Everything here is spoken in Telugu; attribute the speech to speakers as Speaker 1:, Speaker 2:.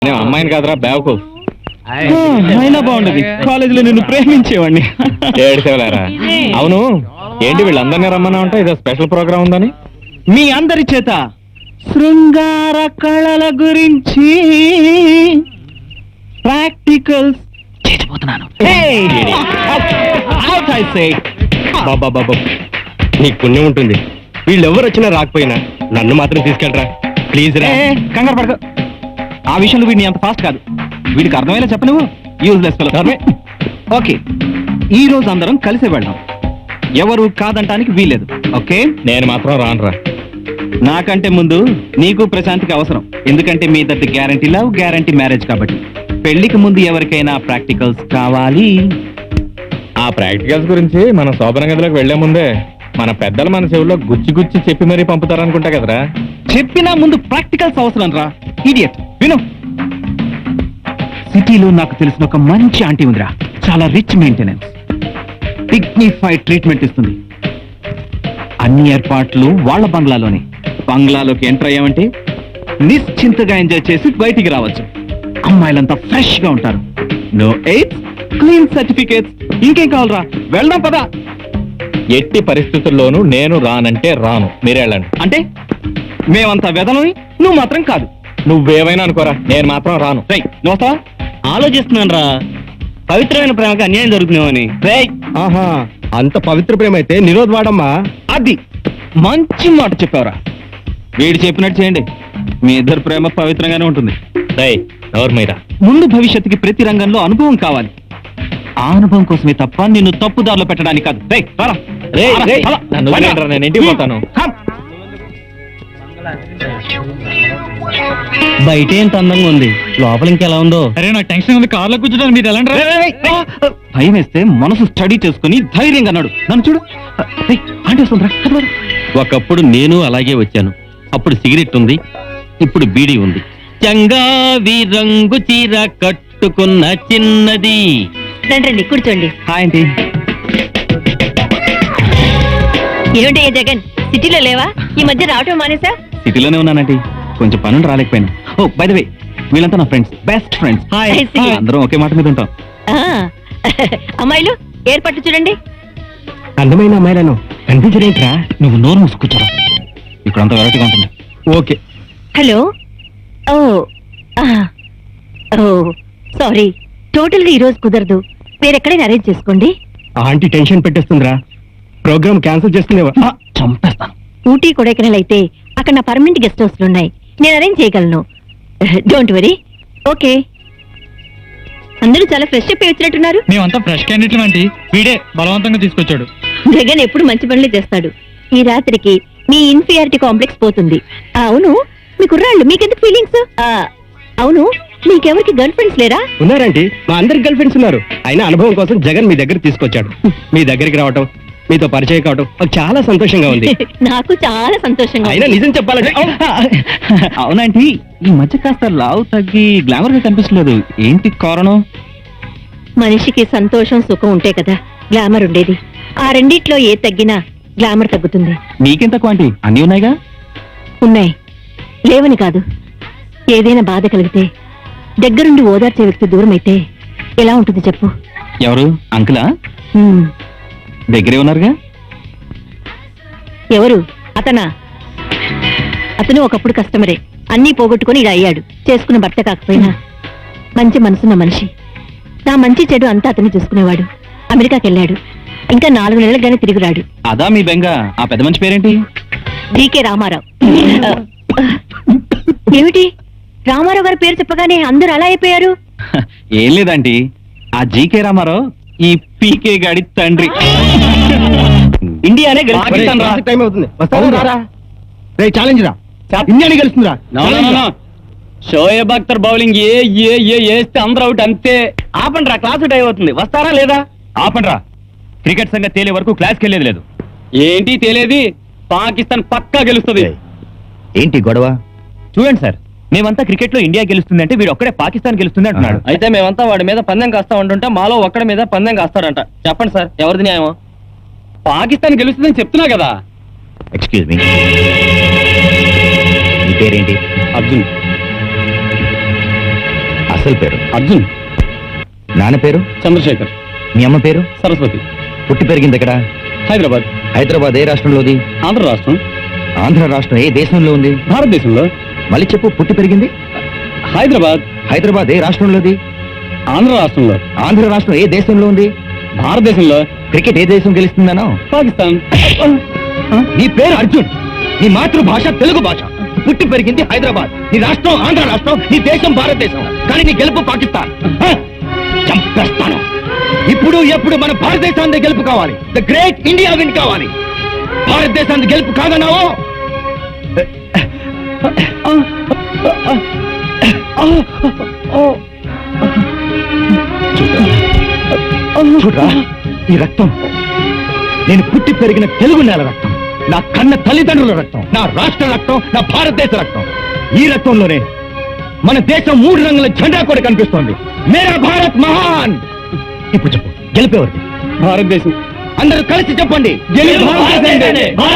Speaker 1: అమ్మాయిని కాదురా బ్యావకు.
Speaker 2: అయినా బాగుండదు, కాలేజీలో నిన్ను ప్రేమించేవాడిని.
Speaker 1: ఏడిసేవలేరా. అవును, ఏంటి వీళ్ళందరినీ రమ్మన్నా ఉంటా, ఇదో స్పెషల్ ప్రోగ్రామ్ ఉందని?
Speaker 2: మీ అందరి చేత శృంగార కళల గురించి ప్రాక్టికల్స్ చేసిపోతున్నాను.
Speaker 1: బాబా నీకు పుణ్యం ఉంటుంది, వీళ్ళెవరు వచ్చినా రాకపోయినా నన్ను మాత్రం తీసుకెళ్ళరా ప్లీజ్ రా.
Speaker 2: కంగారు పడక, ఆ విషయంలో వీడిని అంత ఫాస్ట్ కాదు. వీడికి అర్థమయ్యేలా చెప్ప నువ్వు. Useless fellow. ఓకే, ఈ రోజు అందరం కలిసి వెళ్దాం, ఎవరు కాదంటానికి వీలేదు. ఓకే,
Speaker 1: నేను మాత్రం రానురా.
Speaker 2: నాకంటే ముందు నీకు ప్రశాంతికి అవసరం, ఎందుకంటే మీ ఇద్దరి గ్యారంటీ లవ్, గ్యారంటీ మ్యారేజ్ కాబట్టి. పెళ్లికి ముందు ఎవరికైనా ప్రాక్టికల్స్ కావాలి.
Speaker 1: ఆ ప్రాక్టికల్స్ గురించి మనం శోభన గదిలోకి వెళ్లే ముందే మన పెద్దలు మన చెవుల్లో గుచ్చి గుచ్చి చెప్పి మరీ పంపుతారనుకుంటా కదరా.
Speaker 2: చెప్పినా ముందు ప్రాక్టికల్స్ అవసరం రా ఇడియట్. విను, సిటీలో నాకు తెలిసిన ఒక మంచి ఆంటీ ఉందిరా, చాలా రిచ్ మెయింటెనెన్స్, డిగ్నిఫైడ్ ట్రీట్మెంట్ ఇస్తుంది. అన్ని ఏర్పాట్లు వాళ్ళ బంగ్లాలోనే. బంగ్లాలోకి ఎంటర్ అయ్యామంటే నిశ్చింతగా ఎంజాయ్ చేసి బయటికి రావచ్చు. అమ్మాయిలంతా ఫ్రెష్ గా ఉంటారు. No AIDS, clean certificates. ఇంకేం కావాలరా, వెళ్దాం పదా.
Speaker 1: ఎట్టి పరిస్థితుల్లోనూ నేను రానంటే రాను, మీరెళ్ళండి.
Speaker 2: అంటే మేమంతా వెదలని, నువ్వు మాత్రం కాదు.
Speaker 1: నువ్వేమైనా అనుకోరా, నేను మాత్రం రాను.
Speaker 2: రై, నువ్వు వస్తావా? ఆలోచిస్తున్నాను రా, పవిత్రమైన ప్రేమకి అన్యాయం జరుగుతున్నామని.
Speaker 1: ఆహా, అంత పవిత్ర ప్రేమ అయితే నిరోధ్ వాడమ్మా.
Speaker 2: అది మంచి మాట చెప్పావురా. వీడు చెప్పినట్టు చేయండి, మీ ఇద్దరు ప్రేమ పవిత్రంగానే ఉంటుంది.
Speaker 1: ఎవరు మీరా?
Speaker 2: ముందు భవిష్యత్తుకి ప్రతి రంగంలో అనుభవం కావాలి. ఆ అనుభవం కోసమే తప్ప నిన్ను తప్పుదారిలో పెట్టడానికి కాదు.
Speaker 1: నన్ను వదిలేయండిరా, నేను ఇంటికి పోతాను.
Speaker 2: బయట ఎంత అందంగా ఉంది, లోపల ఇంకెలా ఉందో.
Speaker 3: అరే నాకు టెన్షన్ ఉంది, కార్లో కూర్చోడానికి మీరు ఎలా
Speaker 2: భయం వేస్తే మనసు స్టడీ చేసుకుని ధైర్యంగా అన్నాడు. నన్ను చూడు, ఆంటీ వస్తుందిరా.
Speaker 3: ఒకప్పుడు నేను అలాగే వచ్చాను. అప్పుడు సిగరెట్ ఉంది, ఇప్పుడు బీడీ ఉంది. చంగావి రంగు చీర కట్టుకున్న చిన్నది.
Speaker 4: రండి కూర్చోండి.
Speaker 2: Hi aunty.
Speaker 4: ఏమిటయ్యా జగన్, సిటీలో లేవా? ఈ మధ్య రావటం మానేసా?
Speaker 2: సిటీలోనే ఉన్నానంటీ, కొంచెం పనులు రాలేకపోయాను. ఓ బై ద వే, వీళ్ళంతా నా friends, best friends.
Speaker 4: I see.
Speaker 2: అందరం ఒకే మాట మీద ఉంటాం.
Speaker 4: అమ్మాయిలు ఏర్పాట్లు చూడండి.
Speaker 2: అందమైన అమ్మాయిలను కనిపించరేంట్రా? నువ్వు నోరు మూసుకూర్చోరా, ఇక్కడంతా వెరైటీగా ఉంటుంది.
Speaker 1: ఓకే.
Speaker 4: హలో. ఓ ఓ సారీ, టోటల్ గా ఈ రోజు కుదరదు. వేరెక్కడైనా అరేంజ్ చేసుకోండి.
Speaker 2: ఆంటీ టెన్షన్ పెట్టేస్తుందిరా, ప్రోగ్రామ్ క్యాన్సిల్ చేస్తుందేవా? చంపేస్తాను.
Speaker 4: ఊటీ కొడైకెనాల్ అయితే అక్కడ నా పర్మనెంట్ గెస్ట్ హౌస్లు ఉన్నాయి, నేను అరేంజ్ చేయగలను. Don't worry. ఓకే, అందరూ చాలా ఫ్రెష్ అప్ వచ్చినట్టున్నారు.
Speaker 3: మేమంతా ఫ్రెష్ క్యాండిడేట్లు అంటే వీడే బలవంతంగా తీసుకొచ్చాడు.
Speaker 4: జగన్ ఎప్పుడు మంచి పనులే చేస్తాడు. ఈ రాత్రికి మీ ఇన్ఫీరియారిటీ కాంప్లెక్స్ పోతుంది. అవును, మీ కుర్రాళ్ళు మీకెందుకు ఫీలింగ్స్? అవును, మీకెవరికి గర్ల్ ఫ్రెండ్స్ లేరా?
Speaker 2: ఉన్నారండి, మా అందరికి గర్ల్ ఫ్రెండ్స్ ఉన్నారు. అయినా అనుభవం కోసం జగన్ మీ దగ్గర తీసుకొచ్చాడు. మీ దగ్గరికి రావటం, మీతో పరిచయం కావటం నాకు చాలా సంతోషంగా ఉంది.
Speaker 4: నాకు చాలా సంతోషంగా.
Speaker 2: అయినా నిజం చెప్పాలంటే అవునంటీ, ఈ మధ్య కాస్త లావు తగ్గి గ్లామర్ గా కనిపిస్తలేదు, ఏంటి కారణం?
Speaker 4: మనిషికి సంతోషం సుఖం ఉంటే కదా గ్లామర్ ఉండేది. ఆ రెండిట్లో ఏ తగ్గినా గ్లామర్ తగ్గుతుంది.
Speaker 2: నీకెంత క్వాంటి అన్నీ ఉన్నాయిగా?
Speaker 4: ఉన్నాయి, లేవని కాదు. ఏదైనా బాధ కలిగితే దగ్గరుండి ఓదార్చే వ్యక్తి దూరం అయితే ఎలా ఉంటుంది చెప్పు?
Speaker 2: ఎవరు? అంకులా? దగ్గరే ఉన్నారుగా.
Speaker 4: ఎవరు? అతనా? అతను ఒకప్పుడు కస్టమరే, అన్నీ పోగొట్టుకుని ఇలా అయ్యాడు. చేసుకున్న భర్త కాకపోయినా మంచి మనసున్న మనిషి. నా మంచి చెడు అంతా అతన్ని చూసుకునేవాడు. అమెరికాకి వెళ్ళాడు, ఇంకా 4 నెలలుగానే తిరిగి రాడు.
Speaker 2: అదా మీ బెంగ? ఆ పెద్ద మనిషి పేరేంటి?
Speaker 4: జీకే రామారావు. ఏమిటి, రామారావు గారి పేరు చెప్పగానే అందరూ అలా అయిపోయారు?
Speaker 2: ఏం లేదండి, ఆ జీకే రామారావు ఈ పీకే గాడి తండ్రి. ఇండియానే ఇండియానే గెలుస్తుందిరా. షోయబ్ అఖ్తర్ బౌలింగ్ వేస్తే అందరూ అవుట్ అంతే. ఆపండ్రా, క్లాస్ టైం అవుతుంది. వస్తారా లేదా?
Speaker 1: ఆపండ్రా, క్రికెట్ సంగతి తేలే వరకు క్లాస్కి వెళ్ళేది లేదు.
Speaker 2: ఏంటి తేలేది? పాకిస్తాన్ పక్కా గెలుస్తుంది.
Speaker 1: ఏంటి గొడవ? చూడండి సార్, మేమంతా క్రికెట్ లో ఇండియా గెలుస్తుంది అంటే వీడు ఒక్కడే పాకిస్తాన్ గెలుస్తుంది అంటున్నాడు.
Speaker 2: అయితే మేమంతా వాడి మీద పందెం కాస్తా ఉంటుంటే మాలో ఒక్కడి మీద పందెం కాస్తారంట. చెప్పండి సార్, ఎవరిది న్యాయం? పాకిస్తాన్ గెలుస్తుందని చెప్తున్నా కదా.
Speaker 1: ఎక్స్క్యూజ్ మీ, మీ పేరేంటి?
Speaker 2: అర్జున్. అసలు పేరు
Speaker 3: అర్జున్
Speaker 2: నాన్న పేరు
Speaker 3: చంద్రశేఖర్
Speaker 2: మీ అమ్మ పేరు
Speaker 3: సరస్వతి
Speaker 2: పుట్టి పెరిగింది ఎక్కడ
Speaker 3: హైదరాబాద్
Speaker 2: హైదరాబాద్ ఏ రాష్ట్రంలోది
Speaker 3: ఆంధ్ర రాష్ట్రం
Speaker 2: ఆంధ్ర రాష్ట్రం ఏ దేశంలో ఉంది
Speaker 3: భారతదేశంలో
Speaker 2: మళ్ళీ చెప్పు పుట్టి పెరిగింది
Speaker 3: హైదరాబాద్
Speaker 2: హైదరాబాద్ ఏ రాష్ట్రంలోది
Speaker 3: ఆంధ్ర రాష్ట్రంలో
Speaker 2: ఆంధ్ర రాష్ట్రం ఏ దేశంలో ఉంది
Speaker 3: భారతదేశంలో
Speaker 2: క్రికెట్ ఏ దేశం గెలుస్తుందనో
Speaker 3: పాకిస్తాన్
Speaker 2: నీ పేరు అర్జున్ నీ మాతృభాష తెలుగు భాష పుట్టి పెరిగింది హైదరాబాద్ నీ రాష్ట్రం ఆంధ్ర రాష్ట్రం నీ దేశం భారతదేశం కానీ నీ గెలుపు పాకిస్తాన్ చంపేస్తాను ఇప్పుడు ఎప్పుడు మన భారతదేశాన్ని గెలుపు కావాలి ద గ్రేట్ ఇండియా విన్ కావాలి భారతదేశాన్ని గెలుపు కాదన్నావు చూడరా ఈ రక్తం నేను పుట్టి పెరిగిన తెలుగు నేల రక్తం నా కన్న తల్లిదండ్రుల రక్తం నా రాష్ట్ర రక్తం నా భారతదేశ రక్తం ఈ రక్తంలోనే మన దేశం 3 రంగుల జెండా కూడా కనిపిస్తోంది మేరా భారత్ మహాన్ ఇప్పుడు చెప్పు గెలిపేవారు
Speaker 3: భారతదేశం
Speaker 2: అందరూ కలిసి చెప్పండి
Speaker 3: గెలుపు భారతదేశానిదే.